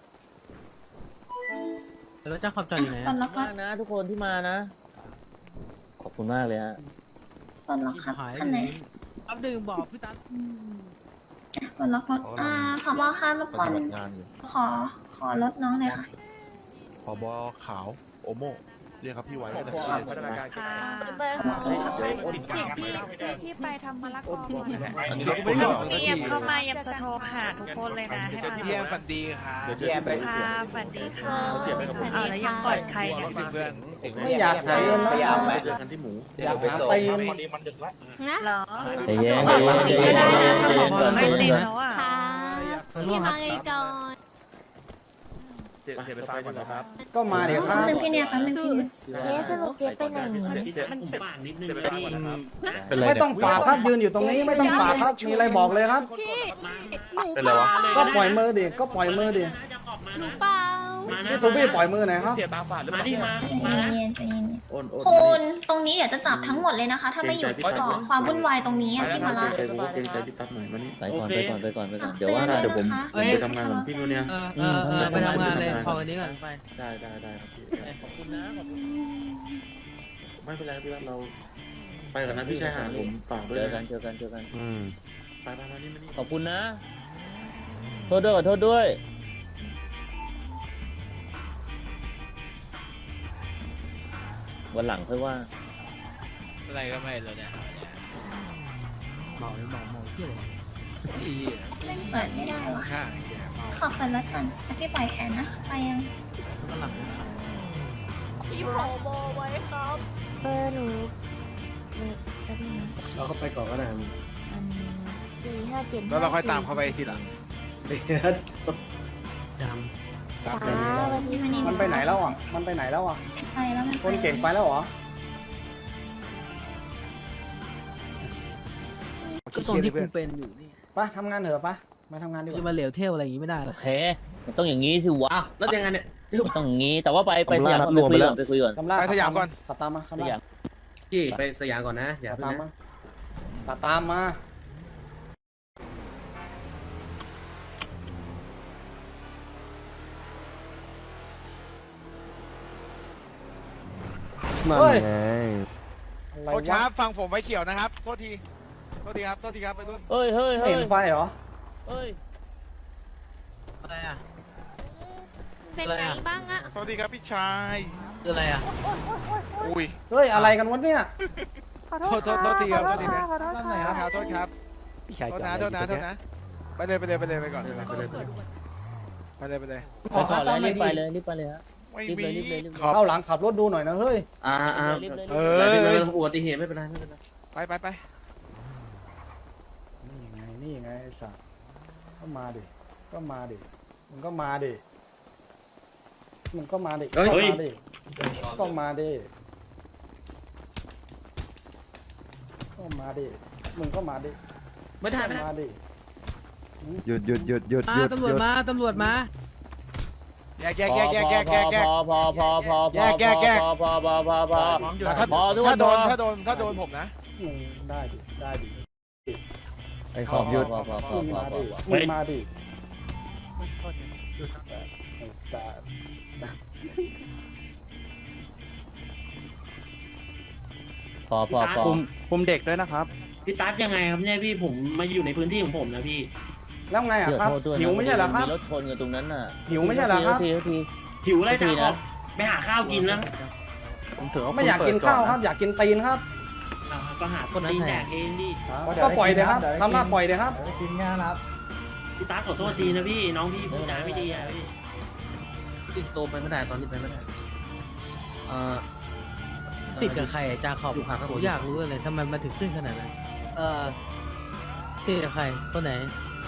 Speaker 11: รถจาขอบจอดอยู่ไหน
Speaker 9: ปล
Speaker 11: อะ
Speaker 9: ดล็อกร
Speaker 2: มา
Speaker 9: ถ
Speaker 2: กนะทุกคนที่มานะ ขอบคุณมากเลยฮะ
Speaker 9: ปลดล็อกครับ
Speaker 11: หาย
Speaker 9: คันไหน
Speaker 11: อัพดื่มบอกพี่ตั๊ด
Speaker 9: ปลดล็อกรถอ่าผบค่ะรบกวน
Speaker 4: งานอยู่
Speaker 9: ขอขอรถน้องเลยค่ะ
Speaker 8: ผบขาวโอโมเรียกครับพี่ไว้
Speaker 3: ผม
Speaker 8: ได้
Speaker 3: บอก
Speaker 8: เลย
Speaker 3: พัฒนาการ
Speaker 7: ค่ะ
Speaker 5: เบอร์
Speaker 7: พี่พี่พี่ไปทำมะละกอก่อน
Speaker 8: อันนี้เราก็ไม่ได้บอก
Speaker 7: พี่เอ็มเข้ามาเอ็มจะโทรหาทุกคนเลยนะให้มา
Speaker 8: พี่แอมฝันดีค่ะ
Speaker 10: พี่แอมไป
Speaker 7: ค่ะฝันดีค่ะ
Speaker 2: เก็บไว้กับผม
Speaker 7: เอาแล้วยังกอดใครเนี่ย
Speaker 8: คิดถึงเพื่อน
Speaker 1: ไม่อยากหาเงินแล้ว
Speaker 10: อยากไหม
Speaker 3: เจอกันที่หมู
Speaker 1: อยากหาตีน
Speaker 9: นะ
Speaker 7: เหรอ
Speaker 2: ใจเย็นใจเย็นใจ
Speaker 7: ก็
Speaker 2: เย็น
Speaker 7: ได้นะส
Speaker 2: ใจ
Speaker 7: มอง
Speaker 2: เย็นก่อน
Speaker 7: ไม่
Speaker 2: ใจ
Speaker 7: เต็
Speaker 2: เย็
Speaker 7: ม
Speaker 2: นก่อน
Speaker 7: แล้วอ่ะ
Speaker 9: ค่ะพี่มาไงก่อน
Speaker 3: เสียเสียไปฟังก่อนนะครับ
Speaker 1: ก็มาเดี๋ยวครับ
Speaker 9: แป๊บนึงพี่เนี่ยแป๊บนึงพี่เนี่ย
Speaker 2: เจ๊สรุปเจ๊ไปไหน
Speaker 3: เสียเสียเสียไปฟังก่อนนะครับ
Speaker 1: ไม่ต้องฝากครับยืนอยู่ตรงนี้ไม่ต้องฝากครับมีอะไรบอกเลยครับ
Speaker 3: เป็นไรวะ
Speaker 1: ก็ปล่อยมือดิก็ปล่อยมือดิ
Speaker 9: หนูเปล่า
Speaker 1: พี่ซูบี้ปล่อยมือหน่อยครับ
Speaker 3: เสียตาฝาดหรือเปล่า
Speaker 9: ใจเย็นใจเย็น
Speaker 3: โอนโอน
Speaker 9: คุณตรงนี้เดี๋ยวจะจับทั้งหมดเลยนะคะ ถ้าไม่หยุดก่อความวุ่นวายตรงนี้อะพี่มาละ
Speaker 3: ใจผมเกรงใจพี่ตั๊กหน่อยมานี่
Speaker 2: ไปก่อนไปก่อนไปก่อนไปก่อนเดี๋ยว
Speaker 9: เตือ
Speaker 2: ว่าน
Speaker 9: เลย
Speaker 2: เดี๋ยวผม
Speaker 9: นะคะ
Speaker 11: เอ้ย
Speaker 3: ไปทำงานกับพี่นู่นเนี่ย
Speaker 11: เออเออเออไปทำงานเลยพอกันนี้ก่อนไป
Speaker 3: ได้ได้ได้ครับพี่
Speaker 2: ขอบคุณนะขอบคุณ
Speaker 3: ไม่เป็นไรพี่ตั๊กเรา ไปก่อนนะพี่ชายหาดผมฝากด้วย
Speaker 2: เจอ
Speaker 3: นะ
Speaker 2: กันเจอกันเจอกัน
Speaker 4: อืม
Speaker 3: ไปไปมานี่มานี่
Speaker 2: ขอบคุณนะโทษด้วยขอโทษด้วยวันหลังค่อยว่า
Speaker 8: อะไรก็ไม่เลยเนี่ย
Speaker 11: เมาเลยเมาเมาเที่ยวเลย
Speaker 8: อี
Speaker 9: เล่นเปิดไม่ได้วะ
Speaker 8: ข้างไอ้แกเมา
Speaker 9: ขอบคุณแล้วกันอ่ะพี่ปล่อยแขนนะไปยัง
Speaker 11: วันหลังนะ
Speaker 5: พี่ผอไว้ครับ
Speaker 9: เบอร์หนูแป๊บนึงนะ
Speaker 3: เราก็ไปก่อนก็ได้
Speaker 9: อันสี่ห้าเจ็ด
Speaker 8: แล้วเราค่อยตามเข้าไปทีหลัง
Speaker 11: ด
Speaker 8: ตาม
Speaker 9: จ้าวันนี้วันนี้
Speaker 1: มันไปไหนแล้วอ่ะมันไปไหนแล้วอ่ะ
Speaker 9: ไปแล้วมัน
Speaker 1: คนเก่งไปแล้วเหรอ
Speaker 11: ำก็ตรงที่กูเป็นอยู่นี่
Speaker 1: ไปทำงานเถอะไปมาทำงานดีก
Speaker 11: จะ
Speaker 1: ว่า
Speaker 11: มาเหลวเที่ยวอะไรอย่างงี้ไม่ได้หร
Speaker 2: โอ
Speaker 11: อก
Speaker 2: เคมันต้องอย่างนี้สิวะ
Speaker 3: แล้วยังไงเนี่ย
Speaker 2: มันต้องอย่างนี้แต่ว่าไปไปสยามก่อน
Speaker 4: รวม
Speaker 2: ไป
Speaker 4: ไป
Speaker 2: คุย
Speaker 4: แล้
Speaker 2: ก่
Speaker 4: ว
Speaker 2: อนไปคุยก่อน
Speaker 1: คำล่า
Speaker 8: ไปสยามก่อน
Speaker 1: ขับตามมา
Speaker 2: ส
Speaker 1: คำล่าย
Speaker 2: าม
Speaker 3: พี่ไปสยามก่อนนะอย่า
Speaker 1: ขับ
Speaker 3: เพิ่ง
Speaker 1: ตามมา
Speaker 3: นะ
Speaker 1: ขับตามมา
Speaker 4: นั่นไง
Speaker 1: อะไร
Speaker 8: โทษครั
Speaker 1: วะ
Speaker 8: บฟังผมไว้เขียวนะครับ โทษที โทษทีครับ โทษทีครับไปรุ่น
Speaker 2: เฮ้ยเฮ้ย
Speaker 1: ไม่
Speaker 2: เฮ้ย
Speaker 1: เห็นไฟเหรอ
Speaker 2: เฮ้ย
Speaker 11: อะไรอ่ะ
Speaker 9: เป็นไงบ้างอะ
Speaker 8: โทษทีครับพี่ชาย
Speaker 11: คืออะไรอ่ะ
Speaker 8: อุ้ย
Speaker 1: เฮ้ยอะไรกันวะเนี่ย
Speaker 8: โทษโทษโทษทีครับ โทษทีนะ
Speaker 1: ขอโทษครับ
Speaker 8: โทษครับ
Speaker 3: พี่ชาย
Speaker 8: โท
Speaker 3: จ
Speaker 8: ษ
Speaker 3: อด
Speaker 8: นะ โทษนะ โทษนะ ไปเลยไปเลยไปเลยไปก่อน
Speaker 3: ไปเลยไปเลย
Speaker 8: ไปเลยไปเลย
Speaker 1: ขอ
Speaker 2: ก่
Speaker 1: ค่า
Speaker 2: อน
Speaker 1: ซ่อมหน่
Speaker 2: รี
Speaker 1: อย
Speaker 2: บ
Speaker 1: ดิ
Speaker 2: ไปเลยรีบไปเลยฮะ
Speaker 8: ไม่
Speaker 2: รีบ
Speaker 8: มี
Speaker 2: เลยรีบเลยรีบเลย
Speaker 8: ขอบ
Speaker 1: เข้าหลังขับรถดูหน่อยนะเฮ้ย
Speaker 3: อ่าอ่า
Speaker 2: รีบเลย
Speaker 8: เอ
Speaker 2: รีบเลย
Speaker 8: อ
Speaker 3: ไม่เป็นไรอุบัติเหตุไม่เป็นไรไม่เป็นไร
Speaker 8: ไปไปไป
Speaker 1: นี่ไงนี่ไงไอ้สัสก็มาดิก็มาดิมึงก็มาดิมึงก็มาดิก็มาดิก็มาดิก็มาดิมึงก็มาดิ
Speaker 3: ไม่ได้ไม่ได้
Speaker 1: มาดิ
Speaker 4: หยุดหยุดหยุดหยุด
Speaker 11: มา
Speaker 4: หยุด
Speaker 11: ตำร
Speaker 4: ห
Speaker 11: วจ
Speaker 4: ยุด
Speaker 11: มาตำรวจมา
Speaker 8: แยกแยกแยกแยกแยกแยกแยก
Speaker 2: พอพอพอพอพอ
Speaker 8: แยกแยกแยก
Speaker 2: พอพอพอพอพอ
Speaker 8: แต่ถ้า
Speaker 2: พอทุกคน
Speaker 8: ถ้าโดน
Speaker 2: พอ
Speaker 8: ถ้าโดนถ้าโดนผมนะ
Speaker 1: มึงได้ดิได้ดิ
Speaker 4: ไอ้ขอบหยุด
Speaker 2: พอพอพอ
Speaker 1: มึง
Speaker 2: พอ
Speaker 1: มา
Speaker 2: พอ
Speaker 1: ดิ
Speaker 2: พอ
Speaker 1: มึงมาดิไอ้สัส
Speaker 2: พอพอพอ
Speaker 4: คุมเด็กด้วยนะครับ
Speaker 10: พี่ตั๊ดยังไงครับเนี่ยพี่ผมมาอยู่ในพื้นที่ของผมนะพี่
Speaker 1: แล้วไงอ่ะ
Speaker 2: เดี๋ยว
Speaker 1: ครับ
Speaker 2: โทษด้วยนะ
Speaker 1: หิวไม่ใช่เหรอครับ
Speaker 2: มีรถชนกันตรงนั้นน่ะ
Speaker 1: หิวไม่ใช่เหรอครับ
Speaker 2: ทีที
Speaker 10: หิวอะไร
Speaker 2: ที
Speaker 10: จ้า
Speaker 2: นะ
Speaker 10: ไปหาข้าวกินแล้ว
Speaker 4: ผมถือว่า
Speaker 1: ไม่อยากกินข้าวครับ อยากกินตีนครับ
Speaker 10: ก็หาคนตีนแดกเองดิ
Speaker 1: ก็ปล่อยเลยครับทำหน้าปล่อยเลยครับ
Speaker 10: พี่ตั๊ดขอโทษทีนะพี่น้องพี่พูดจาไม่ดีอะพี่
Speaker 3: ติดโตไปไม่ได้ตอนนี้ไปไม่ได้เอ่อ
Speaker 11: ติดกับใครอะจาขอบ
Speaker 3: อยู่ข้าง
Speaker 11: ผมอยากรู้เลยทำไมมันถึงขึ้นขนาดนั้นเออติดกับใครคนไหน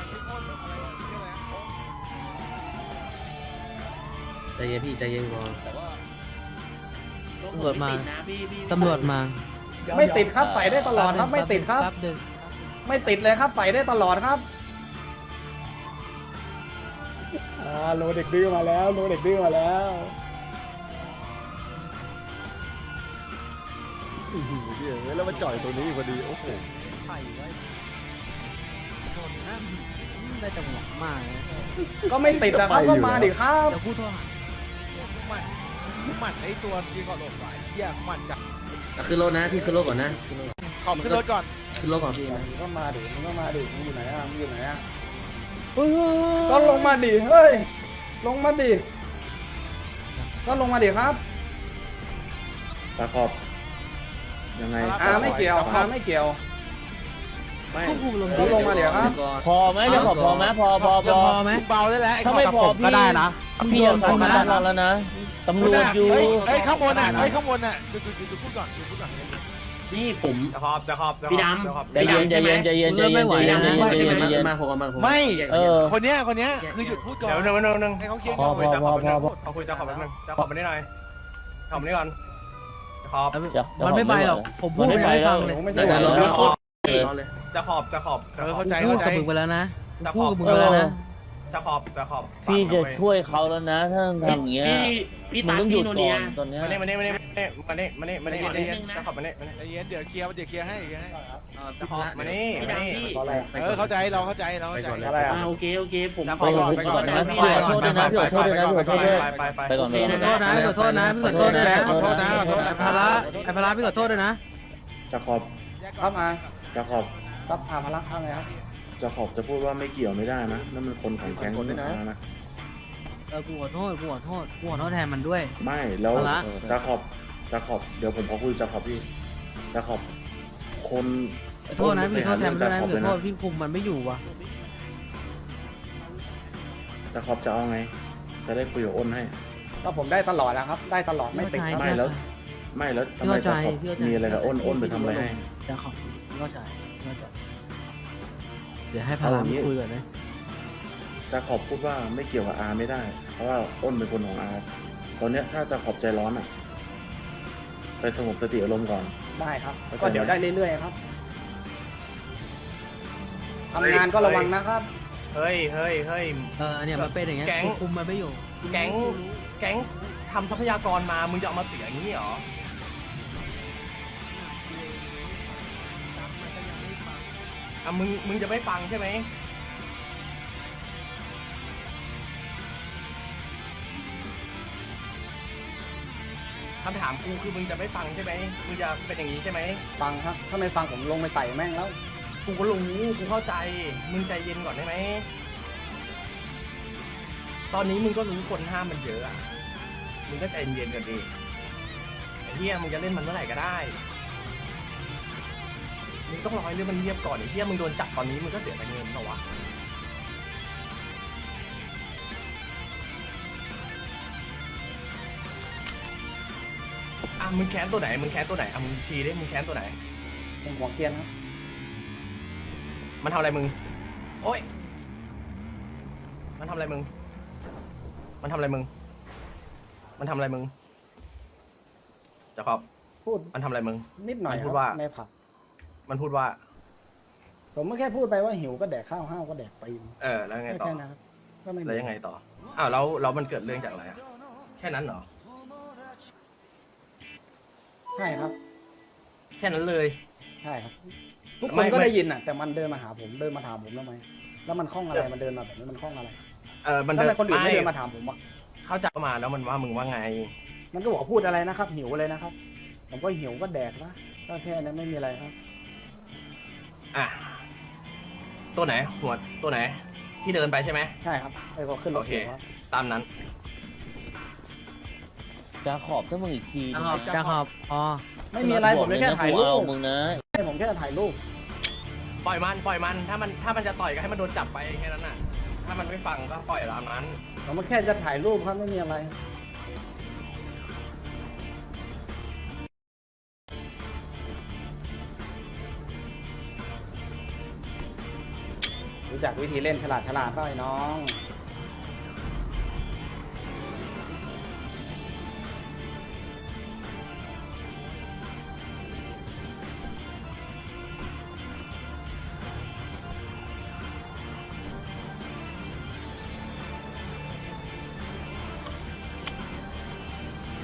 Speaker 3: ใจเย็นพี่ใจเย็นก่อน
Speaker 11: ตำรวจมา
Speaker 10: นะพี่พี่
Speaker 11: ตำรวจมา
Speaker 1: ไม่ติดครับใส่ได้ตลอดครับ ไม่ติดครับ
Speaker 11: แป๊บเดิน
Speaker 1: ไม่ติดเลยครับใส่ได้ตลอดครับอ่าโลเด็กดื้อมาแล้วโลเด็กดื้อมาแล้วอื้อหือเดี๋ยวแล้วมาจ่อยตรงนี้พอดีโอ้โห
Speaker 11: ไข่ไว้ชนนะได้จังหวะมากนะ
Speaker 1: ก็ไม่ติดนะครับก็มาดิครับ
Speaker 11: เดี๋ยวพูดโทรหา
Speaker 8: มันมันไอตัวยิงก่อนหลบหลายเที่ยมันจับ
Speaker 3: อ่ะขึ้นรถนะพี่ขึ้นรถก่อนนะขึ้นรถ
Speaker 8: ขอบขึ้นรถก่อน
Speaker 3: ขึ้นรถก่อนพี่นะ
Speaker 1: มึงก็มาดิมึงก็มาดิมึงอยู่ไหนอ่ะมึงอยู่ไหนอ่ะ
Speaker 2: เฮ้ยเฮ้ย
Speaker 1: ก็ลงมาดิเฮ้ยลงมาดิก็ลงมาดิครับ
Speaker 3: ตะขอบยังไง
Speaker 1: อ่าไม่เกี่ยวอ่าไม่เกี่ยว
Speaker 3: ไม่
Speaker 11: ควบคุมลม
Speaker 1: เขาลงมาเดี๋ยวครับ
Speaker 2: พอไหมจะขอพอไหมพอพอพ
Speaker 11: จะ
Speaker 2: อ
Speaker 11: พอไหม
Speaker 8: เบาได้แล้ว
Speaker 2: ถ้าไม่พอพี่พี่จะทำงานแล้วนะตำรวจอยู่
Speaker 8: เฮ้ยเฮ้ยข้างบนอ่ะเฮ้ยข้างบนอ่ะดูดูดูพูดก่อนดูพูดก่อน
Speaker 10: นี่ผมจะขอบจะขอบพี่ดำ
Speaker 2: ใจเย็นใจเย็นใจเย็นใจเย็นใจเย็นใจเย็นใจเย็นใจเย็น
Speaker 8: ไม่
Speaker 2: เออ
Speaker 8: คนเนี้ยคนเนี้ยคือหยุดพูดก่อน
Speaker 10: เดี๋ยวหนึ่งหนึ่งหนึ่ง
Speaker 8: ให้เขาเคลียร์
Speaker 2: พอ
Speaker 8: ก่อน
Speaker 2: พอพอพอ
Speaker 10: เขาคุยจะขอบแป๊บนึงจะขอบมาได้หน่อยขอบมาได้ก่อนจะขอบ
Speaker 11: มันไม่ไปหรอกผมพูด
Speaker 2: มันไม่
Speaker 11: ไม่
Speaker 2: ไป
Speaker 11: ได้
Speaker 2: แล้
Speaker 11: ฟั
Speaker 2: ว
Speaker 11: งเลย
Speaker 1: ผมไม่
Speaker 2: เดี๋
Speaker 1: ได้
Speaker 2: ยว
Speaker 1: หร
Speaker 2: เดี๋
Speaker 1: อ
Speaker 2: ยว
Speaker 1: ก
Speaker 2: เดี๋ยว
Speaker 10: จะขอบจะขอบ
Speaker 8: เออเข้าใจ
Speaker 11: พูด
Speaker 8: เข้าใจ
Speaker 11: กับมึงไปแล้วนะ
Speaker 10: จะข
Speaker 11: พู
Speaker 10: อ
Speaker 11: ด
Speaker 10: บ
Speaker 11: กับมึงไปแล้วนะ
Speaker 10: จะขอบจะขอบ
Speaker 2: พี่จะช่วยเขาแล้วนะถ้าทำอย่างเงี้ยมึงต้องหยุดก่อนตอนเนี้ย
Speaker 10: มาเน่มาเน่มาเน่มาเน่มาเน่มาเน่มาเน่จะขอบมาเน่มาเน่
Speaker 8: ใจเย็นเดี๋ยวเคลียร์เดี๋ยวเคลียร์ให้เคลียร์ให้
Speaker 10: จะขอบมาเน่มาเน่
Speaker 1: เพราะอะไรอะ
Speaker 8: เออเข้าใจเราเข้าใจเราเข้าใจ
Speaker 1: อะไรอ่ะ
Speaker 10: โอเคโอเคผม
Speaker 8: ไปก่อนไปก่อน
Speaker 2: นะพี่ขอโทษด้วยนะพี่ขอโทษด้วยนะพี่ขอโทษด้วย
Speaker 10: ไปไป
Speaker 2: ไปก่อนไป
Speaker 11: ข
Speaker 2: ก่
Speaker 11: อ
Speaker 2: อน
Speaker 11: โทษนะขอโทษนะขอโทษด้วยนะ
Speaker 8: ขอโทษนะขอโทษนะ
Speaker 11: ไอ้พาระไอ้พาระพี่ขอโทษด้วยนะ
Speaker 3: จะขอบ
Speaker 1: ครับมา
Speaker 3: จะขอบ
Speaker 1: ครับอาพลักษ์อะไรครับ
Speaker 3: จะขอบจะพูดว่าไม่เกี่ยวไม่ได้นะนั่นมันคนของแก๊ง
Speaker 4: คนด้วยนะ
Speaker 3: นะ
Speaker 11: เออกูขอโทษกูขอโทษกูขอโทษแทนมันด้วย
Speaker 3: ไม่แล้ว
Speaker 11: เอาละ
Speaker 3: จะขอบจะขอบเดี๋ยวผมขอคุยจะขอบพี่จะขอบคน
Speaker 11: ขอโทษนะพี่ขอโทษแทนมันด้วยนะ
Speaker 3: จะขอบ
Speaker 11: พี่
Speaker 3: เลย
Speaker 11: ขอโท
Speaker 3: นะ
Speaker 11: ษพี่คุมมันไม่อยู่ว่ะ
Speaker 3: จะขอบจะเอาไง จะได้คุยกับอ้นให้
Speaker 1: ก็ผมได้ตลอดนะครับ ได้ตลอดไม่ติดครับ
Speaker 3: ไม่แล้ว ไม่แล้วทำไมจะขอบมีอะไรกับอ้นอ้นไปทำอะไรให้
Speaker 11: จะขอบพี่เข้าใจพี่เข้าใจเดี๋ยวให้พาระมาคุยก่อนนะ
Speaker 3: จะขอบพูดว่าไม่เกี่ยวกับอาไม่ได้ เพราะว่าอ้นเป็นคนของอาตอนเนี้ยถ้าจะขอบใจร้อนอ่ะ ไปสงบสติอารมณ์ก่อน
Speaker 1: ได้ครับ ก็เดี๋ยวได้เรื่อยๆครับทำงานก็ระวังนะครับ
Speaker 10: เฮ้ยเฮ้ยเฮ้ย
Speaker 11: เออเนี่ยมันเป็นอย่างเงี้ย
Speaker 10: แก๊ง
Speaker 11: กูคุมมันไม่อยู่
Speaker 10: แก๊งแก๊งทำทรัพยากรมามึงจะเอามาเสียอย่างนี้เหรออ่ะมึงมึงจะไม่ฟังใช่ไหมคำถามกูคือมึงจะไม่ฟังใช่ไหมมึงจะเป็นอย่างนี้ใช่ไหม
Speaker 1: ฟังครับ ถ้าไม่ฟังผมลงไปใส่แม่งแล้ว
Speaker 10: กูก็รู้กูเข้าใจ มึงใจเย็นก่อนได้ไหม ตอนนี้มึงก็รู้คนห้ามมันเยอะอะมึงก็ใจเย็นกันดิไอ้เหี้ยมึงจะเล่นมันเมื่อไหร่ก็ได้ มึงต้องรอให้เรื่องมันเงียบก่อนไอ้เหี้ยมึงโดนจับตอนนี้มึงก็เสียไปเงินเหรอวะ อ่ะมึงแค้นตัวไหน มึงแค้นตัวไหนอ่ะมึงชี้ดิมึงแค้นตัวไหน
Speaker 1: เป็นหัวเกรียนครับ
Speaker 10: มันทำอะไรมึง โอ๊ย มันทำอะไรมึง มันทำอะไรมึง มันทำอะไรมึงจะขอบ
Speaker 1: พูด
Speaker 10: มันทำอะไรมึง
Speaker 1: นิดหน่อย
Speaker 10: มันพู
Speaker 1: ค
Speaker 10: ด
Speaker 1: รับ
Speaker 10: ว่า
Speaker 1: ในผับ
Speaker 10: มันพูดว่า
Speaker 1: ผมไม่แค่พูดไปว่าหิวก็แดกข้าวห้าวก็แดกปีน
Speaker 10: เออ แล้วยังไงต่อ
Speaker 1: แค่นั้นครับก็ไม่มี
Speaker 10: แล้วยังไงต่อ อ้าวแล้วแล้วมันเกิดเรื่องจากอะไรอ่ะ แค่นั้นเหรอ
Speaker 1: ใช่ครับ
Speaker 10: แค่นั้นเลย
Speaker 1: ใช่ครับ ทุกค
Speaker 10: ไม่
Speaker 1: นก็
Speaker 10: ไม่
Speaker 1: ได้ยินอ่ะ แต่มันเดินมาหาผม เดินมาถามผมทำไม แล้วมันคล้องอะไร มันเดินมาแบบนี้มันคล้องอะไร
Speaker 10: เออ มัน
Speaker 1: แล้ว
Speaker 10: เดิ
Speaker 1: ทำไมคนอื่นไม่เดิน
Speaker 10: ไม่
Speaker 1: มาถามผมอ่ะ
Speaker 10: เข้าใจมาแล้วมันว่ามึงว่าไง
Speaker 1: มันก็บอกว่าพูดอะไรนะครับ หิวเลยนะครับ ผมก็หิวก็แดกนะก็แค่นั้นไม่มีอะไรครับ
Speaker 10: อ่ะ ตัวไหน หัว ตัวไหน ที่เดินไปใช่ไหม
Speaker 1: ใช่ครับไอ้ก็ขึ้นร
Speaker 10: โอ
Speaker 1: ถ
Speaker 10: เค
Speaker 1: เขียวครับ
Speaker 10: ตามนั้น
Speaker 2: จะขอบถ้ามึงอีกที
Speaker 11: จะขอบจะขอบอ๋อ
Speaker 1: ไม่มีอะไรผมแค่ถ่ายรู
Speaker 2: เอา
Speaker 1: ป
Speaker 2: มึงนะ
Speaker 1: ผมแค่ถ่ายรูป
Speaker 10: ปล่อยมัน ปล่อยมัน ถ้ามัน ถ้ามันจะต่อยก็ให้มันโดนจับไปแค่นั้นน่ะ ถ้ามันไม่ฟังก็ปล่อยตามนั้น
Speaker 1: ผมแค่จะถ่ายรูปครับไม่มีอะไร รู้จักวิธีเล่นฉลาดฉลาดป่ะไอ้น้อง